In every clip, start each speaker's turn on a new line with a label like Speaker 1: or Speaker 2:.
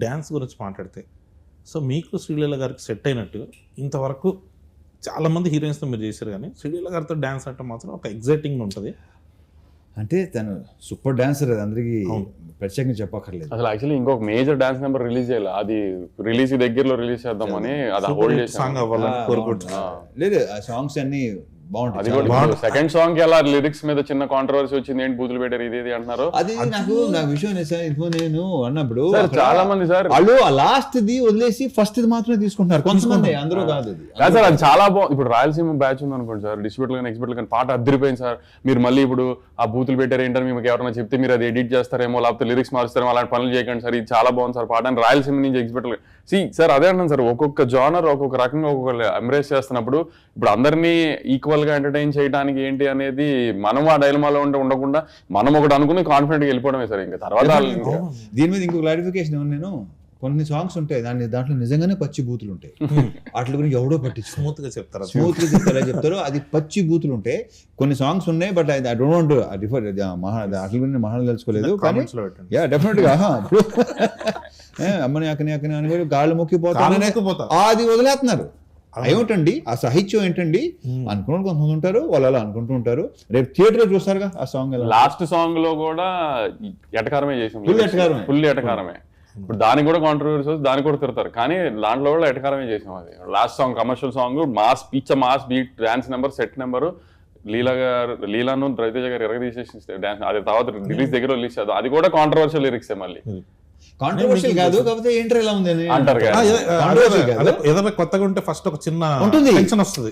Speaker 1: Dance గురించి మాట్లాడితే, so మీకు శ్రీలీల గారికి సెట్ అయినట్టు ఇంతవరకు చాలామంది హీరోయిన్స్తో మీరు చేశారు, కానీ శ్రీలీల గారితో డ్యాన్స్ అంటే మాత్రం ఒక ఎగ్జైటింగ్ ఉంటుంది.
Speaker 2: అంటే తను సూపర్ డాన్సర్, అది అందరికీ ప్రత్యేకంగా చెప్పక్కర్లేదు.
Speaker 3: అసలు యాక్చువల్లీ ఇంకొక మేజర్ డాన్స్ నెంబర్ రిలీజ్ చేయాలి, అది రిలీజ్ దగ్గరలో రిలీజ్ చేద్దామని అది హోల్డ్ చేసి
Speaker 1: సాంగ్ అవ్వాలని కోరుకుంటున్నాను.
Speaker 2: లేదు ఆ సాంగ్స్ అన్ని
Speaker 3: అది
Speaker 2: బాగుంటాయి.
Speaker 3: కూడా సెకండ్ సాంగ్ కి అలా లిరిక్స్ మీద చిన్న కాంట్రవర్సీ వచ్చింది, ఏంటి బూతులు పెట్టారు ఇది అంటున్నారు.
Speaker 2: అది నాకు విషయం సార్, ఇప్పుడు నేను అన్నప్పుడు
Speaker 3: చాలా మంది సార్
Speaker 2: వాళ్ళు ఆ లాస్ట్ ది వదిలేసి ఫస్ట్ ఇది మాత్రమే తీసుకుంటున్నారు కొంతమంది, అందరూ కాదు అది.
Speaker 3: సార్ అది చాలా బాగుంది. ఇప్పుడు రాయలసీమ బ్యాచ్ ఉంది అనుకోండి సార్, డిస్ట్రిబ్యూటర్ కానీ ఎక్స్పర్ట్ కానీ పాట అద్దరిపోయింది సార్. మీరు మళ్ళీ ఇప్పుడు ఆ బూతులు పెట్టారు ఏంటని మీకు ఎవరైనా చెప్తే మీరు అది ఎడిట్ చేస్తారేమో, లేకపోతే లిరిక్స్ మారుస్తారేమో, అలాంటి పనులు చేయకండి సార్, ఇది చాలా బాగుంది సార్ పాట అని రాయలసీమ నుంచి ఎక్స్పర్ట్ సార్ అదే అంటాను సార్. ఒక్కొక్క జానర్ ఒక్కొక్క రకంగా ఒక్కొక్క ఎంబ్రేస్ చేస్తున్నప్పుడు ఇప్పుడు అందరినీ ఈక్వల్ గా ఎంటర్టైన్ చేయడానికి ఏంటి అనేది మనం ఆ డైలమాలో ఉండకుండా మనం ఒకటి అనుకుని కాన్ఫిడెంట్ గా వెళ్ళిపోవడమే సార్. ఇంకా తర్వాత
Speaker 2: దీని మీద ఇంకో క్లారిఫికేషన్ ఏమన్నా, నేను కొన్ని సాంగ్స్ ఉంటాయి దాంట్లో నిజంగానే పచ్చి బూతులు ఉంటాయి, వాటి గురించి ఎవడో పట్టించు
Speaker 1: స్మూత్ గా చెప్తారు,
Speaker 2: చెప్తారు అది పచ్చి బూతులు ఉంటాయి. కొన్ని సాంగ్స్ ఉన్నాయి, but I don't want differ వాటి గురించి మహాన్ తెలుసుకోలేదు, కానీ యా డెఫినెట్ గా అమ్మని అక్కని అక్కని అని గాళ్ళు మొక్కిపోతా అది వదిలేస్తున్నారు. ఏమిటండి ఆ సాహిత్యం ఏంటండి అనుకున్న కొంతమంది ఉంటారు, వాళ్ళు అలా అనుకుంటూ ఉంటారు. రేపు థియేటర్ చూస్తారుగా ఆ సాంగ్,
Speaker 3: లాస్ట్ సాంగ్ లో కూడా ఎటకారమే చేసాం, ఫుల్ ఎటకారమే. ఇప్పుడు దానికి కూడా కాంట్రవర్సీ వస్తుంది, దానికి కూడా తిడతారు, కానీ దాంట్లో కూడా ఎటకారమే చేసాం. అది last song commercial song, mass పిచ్చ mass beat, dance number, set number, లీలాను రవితేజ గారు ఎరగదీసేసి డాన్స్, అది తర్వాత రిలీజ్ దగ్గర రిలీజ్ చేద్దాం, అది కూడా కాంట్రవర్షియల్ లిరిక్స్ మళ్ళీ.
Speaker 2: కాంట్రవర్షియల్ కాదు, కాకపోతే ఏంటర్ ఎలా ఉంది
Speaker 3: అంటారు.
Speaker 1: ఏదైనా కొత్తగా ఉంటే ఫస్ట్ ఒక చిన్న
Speaker 2: ఉంటుంది,
Speaker 1: టెన్షన్ వస్తుంది,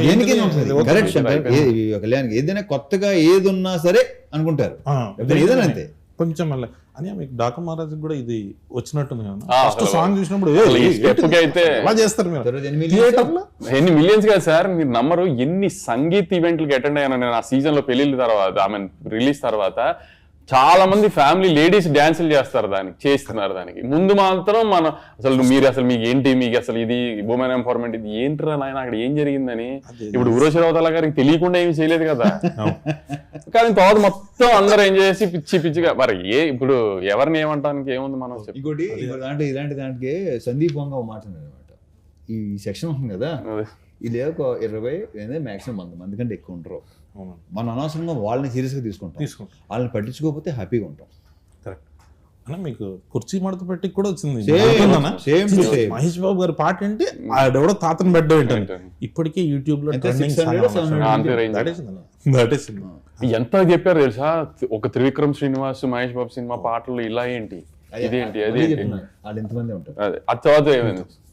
Speaker 2: కళ్యాణ్కి ఏదైనా కొత్తగా ఏది ఉన్నా సరే అనుకుంటారు, ఏదైనా అంతే
Speaker 1: కొంచెం మళ్ళీ అని. మీకు డాకు మహారాజ్ కూడా ఇది వచ్చినట్టుంది కదా, ఫస్ట్ సాంగ్ చూసినప్పుడు
Speaker 3: అయితే
Speaker 1: అలా చేస్తారు మీరు
Speaker 3: ఎన్ని మిలియన్స్ కదా సార్, మీరు నమ్మరు ఎన్ని సంగీత్ ఈవెంట్లకి అటెండ్ అయ్యాను నేను ఆ సీజన్ లో, పెళ్లిళ్ళ తర్వాత ఐ మీన్ రిలీజ్ తర్వాత. చాలా మంది ఫ్యామిలీ లేడీస్ డాన్సులు చేస్తారు, చేస్తున్నారు. దానికి ముందు మాత్రం మనం అసలు మీకు ఏంటి, మీకు అసలు ఇది ఉమెన్ ఎంపవర్మెంట్, ఇది ఏంటిరా నాయన అక్కడ ఏం జరిగిందని. ఇప్పుడు ఉర్వశి రౌతల గారికి తెలియకుండా ఏమి చేయలేదు కదా, కానీ తర్వాత మొత్తం అందరూ ఏం చేసి పిచ్చి పిచ్చిగా మరి ఇప్పుడు ఎవరిని ఏమంటానికి ఏముంది మనం.
Speaker 2: ఇంకోటి ఇలాంటి దానికి సందీప్ వంగ మాట్లాడారు అనమాట, ఈ సెక్షన్ ఉంటుంది కదా, ఇది ఒక 20 మాక్సిమం 100 మంది కంటే ఎక్కువ ఉంటారు. మనం అనవసరంగా వాళ్ళని సీరియస్గా తీసుకుంటాం, వాళ్ళని పట్టించుకోకపోతే హ్యాపీగా ఉంటాం.
Speaker 1: కరెక్ట్ అన్న. మీకు కుర్చీ మడత పెట్టి కూడా వచ్చింది మహేష్ బాబు గారి పాట అంటే ఆడెవడో తాతను బెడ్ ఏంటంటే ఇప్పటికే యూట్యూబ్ లో
Speaker 3: ఎంత చెప్పారు తెలుసా, ఒక త్రివిక్రమ్ శ్రీనివాస్ మహేష్ బాబు సినిమా పాటలు ఇలా ఏంటి, ఇదేంటి, అదే
Speaker 2: వాళ్ళు ఎంతమంది ఉంటారు.
Speaker 3: అది తర్వాత ఏమైంది